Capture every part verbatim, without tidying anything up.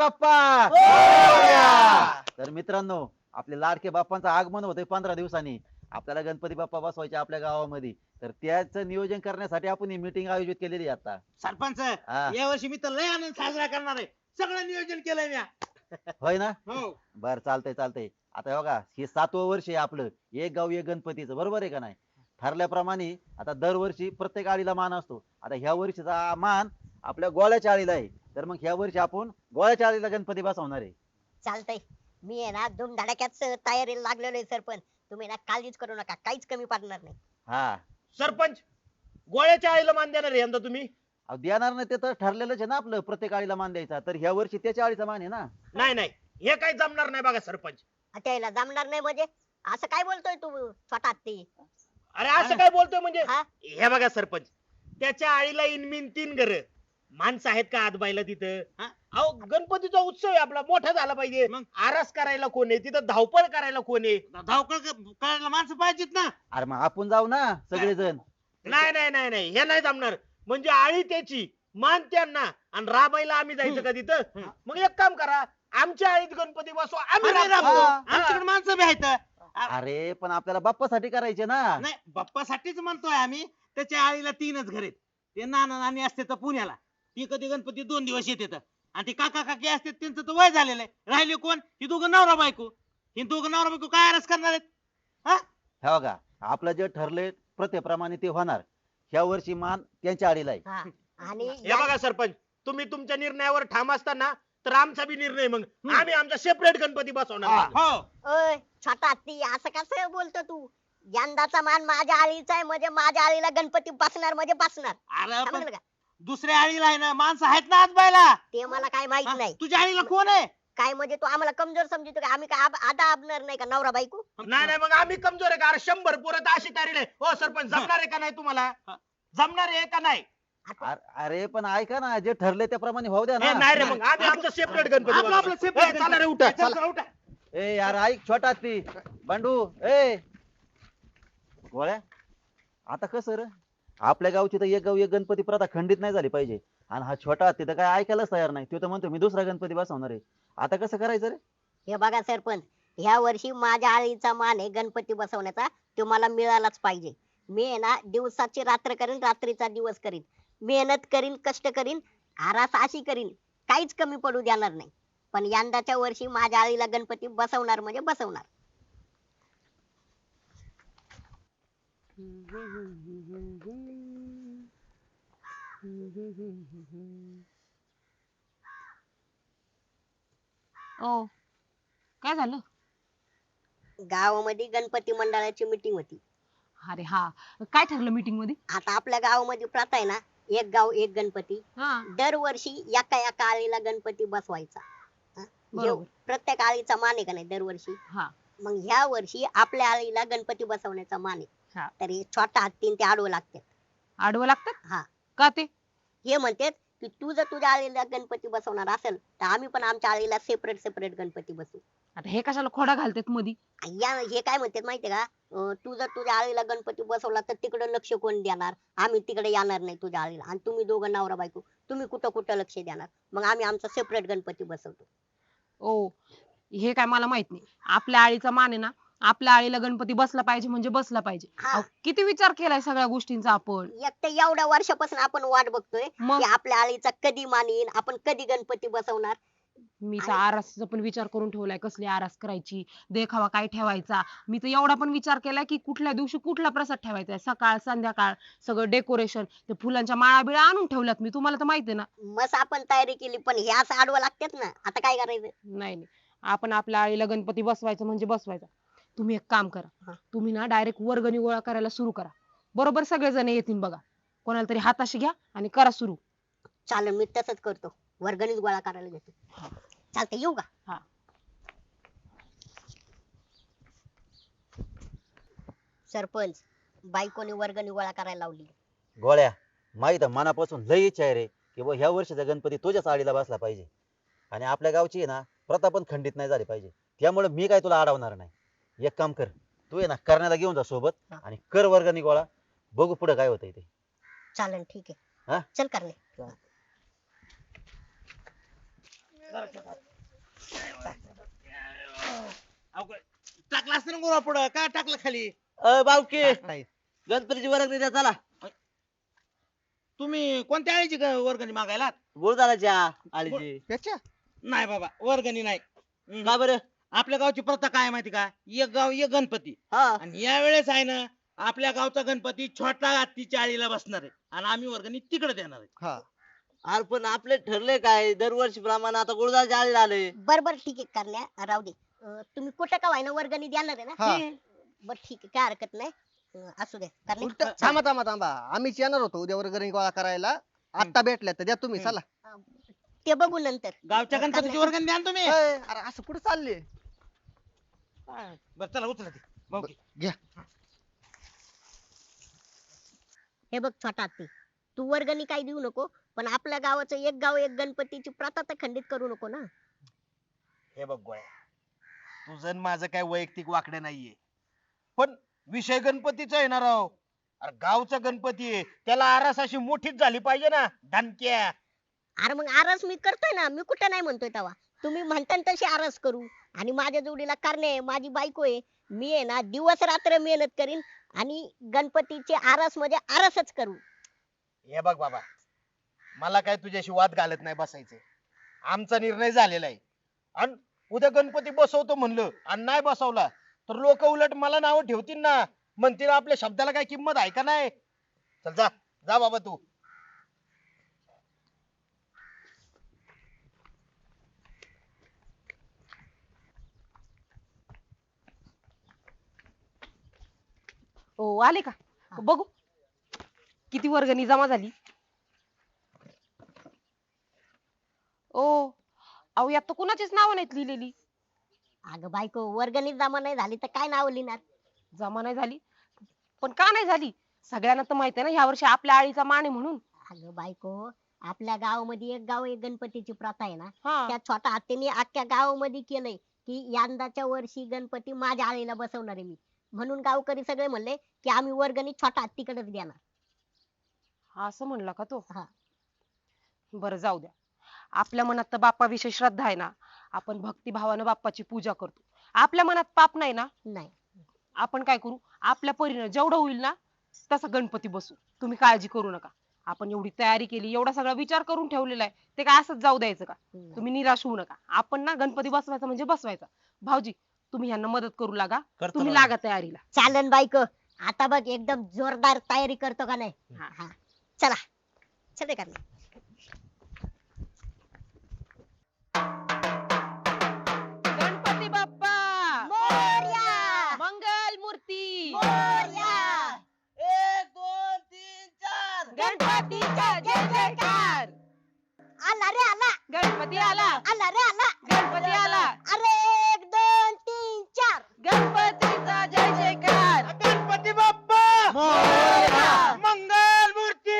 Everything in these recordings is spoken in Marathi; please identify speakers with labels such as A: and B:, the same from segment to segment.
A: बाप्पा
B: मोरया!
A: तर मित्रांनो, आपले लाडके बाप्पांचं आगमन होतंय पंधरा दिवसांनी. आपल्याला गणपती बाप्पा बसवायचे आपल्या गावामध्ये. तर त्याचं नियोजन करण्यासाठी आपण ही मीटिंग आयोजित केलेली आहे आता.
B: सरपंच
A: हा.
B: या वर्षी मी तर लय आनंद साजरा करणार आहे. सगळं नियोजन केलंय म्या.
A: होय ना?
B: हो
A: बर चालतंय चालतंय. आता बघा हे सातवं वर्ष आहे आपलं एक गाव एक गणपतीचं, बरोबर आहे का नाही? ठरल्याप्रमाणे आता दरवर्षी प्रत्येक आळीला मान असतो. आता ह्या वर्षीचा मान आपल्या गोळ्याच्या आळीला आहे. तर मग ह्या वर्षी आपण गोळ्याच्या आळीला गणपती बसवणार आहे.
C: चालतंय. मी आहे ना धूमधडाक्यात स- तयारीला लागलेलो आहे सरपंच. तुम्ही ना काळजीच करू नका, काहीच कमी पडणार नाही.
A: हा
B: सरपंच गोळ्याच्या आईला मान देणार आहे यंदा तुम्ही?
A: अहो, देणार नाही ते तर ठरलेलंच आहे ना आपलं प्रत्येक आळीला मान द्यायचा. तर ह्या वर्षी त्याच्या आळीचा मान आहे ना.
B: नाही नाही हे काही जमणार नाही बघा सरपंच.
C: त्याला जमणार नाही म्हणजे असं काय बोलतोय तू स्वतः ती?
B: अरे असं काय बोलतोय म्हणजे?
C: हा?
B: हे बघा सरपंच, त्याच्या आईला इनमिन तीन घर माणसं आहेत का आजबाईला तिथं? हा? अहो गणपतीचा उत्सव आहे आपला, मोठा झाला पाहिजे. मग आरास करायला कोण आहे तिथं, धावपळ करायला कोण आहे? धावपळ करायला माणसं पाहिजेत ना.
A: अरे मग आपण जाऊ ना सगळेजण.
B: नाही नाही नाही नाही हे नाही जमणार. म्हणजे आळी त्याची मान त्यांना आणि राबायला आम्ही जायचं का तिथं? मग एक काम करा, आमच्या आळीत गणपती बसवा, आम्ही राबतो.
A: हा.
B: आमच्याकडे माणसं बी आहेत.
A: अरे पण आपल्याला बाप्पासाठी करायचे ना.
D: नाही बाप्पासाठीच म्हणतोय आम्ही. त्याच्या आईला तीनच घर आहेत. ते नाना नानी असते तर पुण्याला, ती कधी गणपती दोन दिवस येते, आणि ते काका काकी असते त्यांचं तर वय झालेलं आहे. राहिले कोण? ही दोघं नवरा बायको. ही दोघं नवरा बायको काय आरस करणार आहेत? हा
A: हे बघा आपलं जे ठरले प्रथेप्रमाणे ते होणार. ह्या वर्षी मान त्यांच्या आळीला आहे.
C: हा. आणि
B: हे बघा सरपंच, तुम्ही तुमच्या निर्णयावर ठाम असताना तर आमचा बी निर्णय, मग आम्ही आमचा सेपरेट गणपती बसवणार.
D: हो
C: ओय छोटा ती असं कसं बोलतो तू? यंदाचा मान माझ्या आळीचा आहे म्हणजे माझ्या आळीला गणपती बसणार म्हणजे बसणार.
D: अरे पण
C: समजलं का?
D: दुसऱ्या आळीला आहे ना माणसं आहेत ना आजबायला.
C: ते मला काय माहित
D: हा?
C: नाही.
D: तुझ्या आळीला कोण आहे?
C: काय म्हणजे तू आम्हाला कमजोर समजतो का? आम्ही काय आब- आदा आबणार नाही का नवरा बायको?
B: नाही नाही मग आम्ही कमजोर आहे का? अरे शंभर पुरत अशी तारीख आहे. हो सरपंच, जमणार आहे का नाही तुम्हाला? जमणार आहे का नाही?
A: अर- अरे पण ऐका ना, जे ठरले त्याप्रमाणे होऊ द्या
B: हे
A: ना.
B: नाही रे, मग आम्ही आमचा सेपरेट गणपती
D: आपलं आपलं
B: बसवू.
D: separate
B: ए, चला रे उठा
D: चला,
B: चला.
D: उठा.
A: ए यार ऐक छोटा ती बंडू ए गोळ्या. आता कसं रे, आपल्या गावची तर एक गाव एक गणपती प्रथा खंडित नाही झाली पाहिजे. आणि हा छोटा हत्ती तर काय ऐकायलाच तयार नाही. तो तर म्हणतो मी दुसरा गणपती बसवणार आहे. आता कसं करायचं रे?
C: हे बघा सरपंच, ह्या वर्षी माझ्या आळीचा मान आहे गणपती बसवण्याचा, तो मला मिळालाच पाहिजे. मी आहे ना दिवसाची रात्र करीन, रात्रीचा दिवस करीन, मेहनत करीन, कष्ट करीन, आरास अशी करीन, काहीच कमी पडू देणार नाही. पण यंदाच्या वर्षी माझ्या आळीला गणपती बसवणार म्हणजे बसवणार.
E: ओ काय झालं?
C: गावामध्ये गणपती मंडळाची मीटिंग होती.
E: अरे हा, काय ठरलं मीटिंग मध्ये?
C: आता आपल्या गावामध्ये प्रथा आहे ना, एक गाव एक गणपती.
E: हा
C: दरवर्षी एका एका आळीला गणपती बसवायचा. हा?
E: बरोबर.
C: जेव- प्रत्येक आळीचा मान आहे का नाही दरवर्षी.
E: हा
C: मग ह्या वर्षी आपल्या आळीला गणपती बसवण्याचा मान आहे.
E: हा.
C: तर हे छोटा हत्तीन ते आडवं लागतात.
E: आडवं लागतात
C: हा.
E: का ते?
C: हे म्हणतात की तू जर तुझ्या आळीला गणपती बसवणार असेल तर आम्ही पण आमच्या आळीला सेपरेट सेपरेट गणपती बसवू.
E: आता हे कशाला खोडा घालतात मधी?
C: आणि या हे काय म्हणतात माहितीये का, अं, तू जर तुझ्या आळीला गणपती बसवला तर तिकडे लक्ष कोण देणार? आम्ही तिकडे येणार नाही तुझ्या आळीला. आणि तुम्ही दोघं नवरा बायको, तुम्ही कुठं कुठं लक्ष देणार? मग आम्ही आमचा सेपरेट गणपती बसवतो.
E: ओ हे काय मला माहित नाही. आपल्या आळीचा मान आहे ना, आपल्या आळीला गणपती बसला पाहिजे म्हणजे बसला पाहिजे.
C: हा.
E: अहो, किती विचार केलाय सगळ्या गोष्टींचा आपण.
C: एक तर एवढ्या वर्षापासून आपण वाट बघतोय
E: मग
C: की आपल्या आळीचा कधी मान येईल, आपण कधी गणपती बसवणार.
E: मी तर आरासचा पण विचार करून ठेवलाय, कसली आरास करायची, देखावा काय ठेवायचा. मी तर एवढा पण विचार केलाय की कुठल्या दिवशी कुठला प्रसाद ठेवायचा, सकाळ संध्याकाळ सगळं डेकोरेशन, ते फुलांच्या माळा बिळा आणून ठेवल्यात मी, तुम्हाला तर माहिती आहे ना.
C: मस्त आपण तयारी केली, पण हे असं आडवं लागतात ना. आता काय करायचं?
E: नाही नाही, आपण आपल्या आळीला गणपती बसवायचं म्हणजे बसवायचा. तुम्ही एक काम
C: हा.
E: करा, तुम्ही ना डायरेक्ट वर्गणी गोळा करायला सुरू करा. बरोबर सगळेजण येतील बघा. कोणाला तरी हाताशी घ्या आणि करा सुरू.
C: चालेल, मी तसंच करतो, वर्गणीच गोळा करायला घेतो. चालतंय, येऊ का?
E: हा.
C: सरपंच, बायकोनी वर्गणी गोळा करायला लावली.
A: गोळ्या माहित आहे, मनापासून लई इच्छा आहे रे की बुवा ह्या वर्षीचा गणपती तुझ्याच आळीला बसला पाहिजे. आणि आपल्या गावची आहे ना प्रथा पण खंडित नाही झाली पाहिजे. त्यामुळे मी काय तुला अडवणार नाही. एक काम कर, तू आहे ना करण्याला घेऊन जा सोबत
C: हा.
A: आणि कर वर्गणी गोळा. बघू पुढे काय होतंय ते.
C: चालेल, ठीक
A: हा?
C: आहे, चल करणे.
D: अहो, टाकला असतं ना गोळा पुढं काय टाकलं खाली?
F: अ बावकी
D: काय?
F: गणपतीची वर्गणी द्या चला.
D: तुम्ही कोणत्या आळीची ग- वर्गणी मागायला?
F: गुरुदाराच्या आळीची.
D: त्याच्या नाही बाबा, वर्गणी नाही. हम्म.
F: का बरं?
D: आपल्या गावची प्रथा काय आहे माहिती का? एक गाव एक गणपती.
F: हा
D: आणि या वेळेस आहे ना, आपल्या गावचा गणपती छोटा हत्तीच्या आळीला बसणार आहे आणि आम्ही वर्गणी तिकडे देणार आहे.
F: अरे पण आपले ठरले काय दरवर्षी प्रमाणे आता गुरुदाराच्या आळीला आले.
C: बर बर ठीक आहे करण्या राहू दे. अं, तुम्ही कुठं का व्हायना वर्गणी देणार आहे ना हम्म. बर ठीक आहे, काय हरकत नाही. अं, असू दे करण्या.
G: उलट थांबा थांबा थांबा आम्हीच येणार होतो उद्या वर्गणी गोळा करायला. आता भेटल्या तर द्या तुम्ही चला.
C: अं, ते बघू नंतर.
D: गावच्या गणपतीची वर्गणी द्या ना तुम्ही.
G: अय, अरे असं कुठे चालले?
D: बरं चला उचला ते. भाऊ की.
G: घ्या.
C: हे बघ छोटा हत्ती, तू वर्गणी काही देऊ नको, पण आपल्या गावाचं एक गाव एक गणपतीची प्रथा तर खंडित करू नको ना.
B: हे बघ गोळ्या, तुझं आणि माझं काय वैयक्तिक वाकडे नाहीये, पण विषय गणपतीचा आहे ना राव. अरे गावचा गणपती आहे, त्याला आरास अशी मोठीच झाली पाहिजे ना धनक्या.
C: अरे मग आरस मी करतोय ना, मी कुठं नाही म्हणतोय तेव्हा. तुम्ही म्हणता ना तशी आरस करू. आणि माझ्या जोडीला करणे आहे, माझी बायको आहे, मी आहे ना दिवस रात्र मेहनत करीन आणि गणपतीची आरस म्हणजे आरसच करू.
B: हे बघ बाबा, मला काय तुझ्याशी वाद घालत नाही बसायचे. आमचा निर्णय झालेला आहे. आणि उद्या गणपती बसवतो म्हणलं आणि नाही बसवला तर लोक उलट मला नाव ठेवतील ना, म्हणतील आपल्या शब्दाला काय किंमत आहे का नाही. चल जा जा बाबा तू.
E: ओ आले का बघू किती वर्गणी जमा झाली. ओ अहो यात तर कुणाचीच नावं नाहीत लिहिलेली.
C: अगं बायको, वर्गणी जमा नाही झाली तर काय नाव लिहिणार.
E: जमा नाही झाली पण का नाही झाली? सगळ्यांना तर माहित आहे ना ह्या वर्षी आपल्या आळीचा मान आहे म्हणून.
C: अगं बायको, आपल्या गावामध्ये एक गाव एक गणपतीची प्रथा आहे ना,
E: हा
C: त्या छोटा हत्तीने अख्ख्या गावामध्ये केलंय की यंदाच्या वर्षी गणपती माझ्या आळीला बसवणार आहे मी. म्हणून गावकरी सगळे म्हणले की आम्ही वर्गणी छोटा हत्तीकडेच देणार.
E: असं म्हणला का तो?
C: हा.
E: बरं जाऊ द्या. आपल्या मनात तर बाप्पाविषयी श्रद्धा आहे ना, आपण भक्तिभावानं बाप्पाची पूजा करतो. आपल्या मनात पाप नाही ना,
C: नाही
E: आपण काय करू, आपल्या परीनं जेवढं होईल ना तसा गणपती बसू. तुम्ही काळजी करू नका. आपण एवढी तयारी केली, एवढा सगळा विचार करून ठेवलेला आहे, ते काय असंच जाऊ द्यायचं का?
C: नाही.
E: तुम्ही निराश होऊ नका. आपण ना गणपती बसवायचा म्हणजे बसवायचा. भाऊजी तुम्ही ह्यांना मदत करू लागा,
B: करतो
E: तुम्ही
B: ना.
E: लागा तयारीला.
C: चालन बायको, आता बघ एकदम जोरदार तयारी करतो का नाही.
E: हा.
C: हा. चला चले का नाही.
E: गणपती बाप्पा
C: मोरया!
E: मंगल मूर्ती
C: मोरया!
F: एक दोन तीन चार.
E: गणपतीचा जय जयकार.
C: आला रे आला,
E: गणपती आला,
C: आला रे आला.
E: गणपती आला,
C: अरे एक दोन तीन चार.
E: गणपतीचा जय जयकार.
B: गणपती बाप्पा मंगल मूर्ती.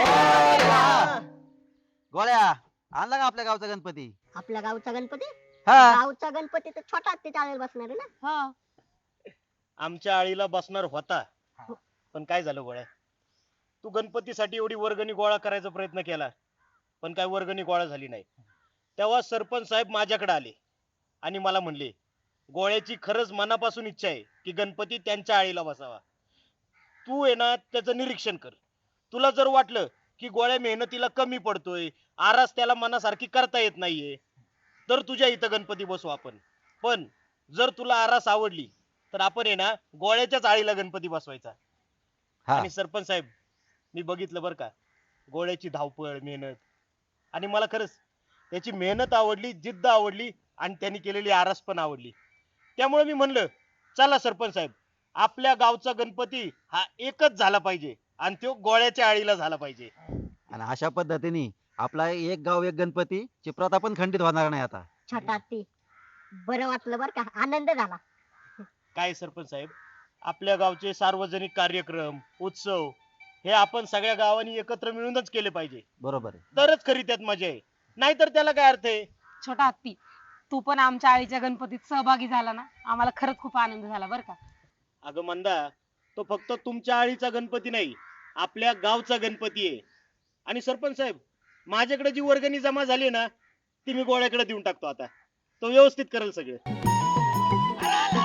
A: गोळ्या आणला का आपल्या गावचा गणपती?
C: आपल्या गावचा गणपती,
A: हा
C: गावचा गणपती तर छोटा हत्तीच्या आळीला बसणार आहे ना.
E: हा
B: आमच्या आळीला बसणार होता, पण काय झालं गोळ्या, तू गणपतीसाठी एवढी वर्गणी गोळा करायचा प्रयत्न केला पण काय वर्गणी गोळा झाली नाही. तेव्हा सरपंच साहेब माझ्याकडे आले आणि मला म्हणले गोळ्याची खरंच मनापासून इच्छा आहे की गणपती त्यांच्या आळीला बसावा. तू आहे ना त्याचं निरीक्षण कर. तुला जर वाटलं की गोळ्या मेहनतीला कमी पडतोय, आरास त्याला मनासारखी करता येत नाहीये, तर तुझ्या इथं गणपती बसू आपण. पण जर तुला आरास आवडली तर आपण आहे ना गोळ्याच्याच आळीला गणपती बसवायचा.
A: हा
B: आणि सरपंच साहेब, मी बघितलं बरं का गोळ्याची धावपळ मेहनत, आणि मला खरंच त्याची मेहनत आवडली, जिद्द आवडली आणि त्यांनी केलेली आरास पण आवडली. त्यामुळे मी म्हणलं चला सरपंच साहेब, आपल्या गावचा गणपती हा एकच झाला पाहिजे आणि तो गोळ्याच्या आळीला झाला पाहिजे.
A: आणि अशा पद्धतीने आपला एक गाव एक गणपती ची प्रथा पण खंडित होणार नाही आता.
C: छोटा हत्ती, बरं वाटलं बर का, आनंद झाला.
B: काय सरपंच साहेब, आपल्या गावचे सार्वजनिक कार्यक्रम उत्सव हे आपण सगळ्या गावांनी एकत्र मिळूनच केले पाहिजे,
A: बरोबर आहे.
B: तरच खरी त्यात मजा आहे. नाहीतर त्याला काय अर्थ आहे.
E: छोटा हत्ती, तू पण आमच्या आळीच्या गणपतीत सहभागी झाला ना, आम्हाला खरंच खूप आनंद झाला बरं का.
B: अगं मंदा, तो फक्त तुमच्या आळीचा गणपती नाही, आपल्या गावचा गणपती आहे. आणि सरपंच साहेब, माझ्याकडे जी वर्गणी जमा झाली ना ती मी गोळ्याकडे देऊन टाकतो. आता तो व्यवस्थित करेल सगळं. घराला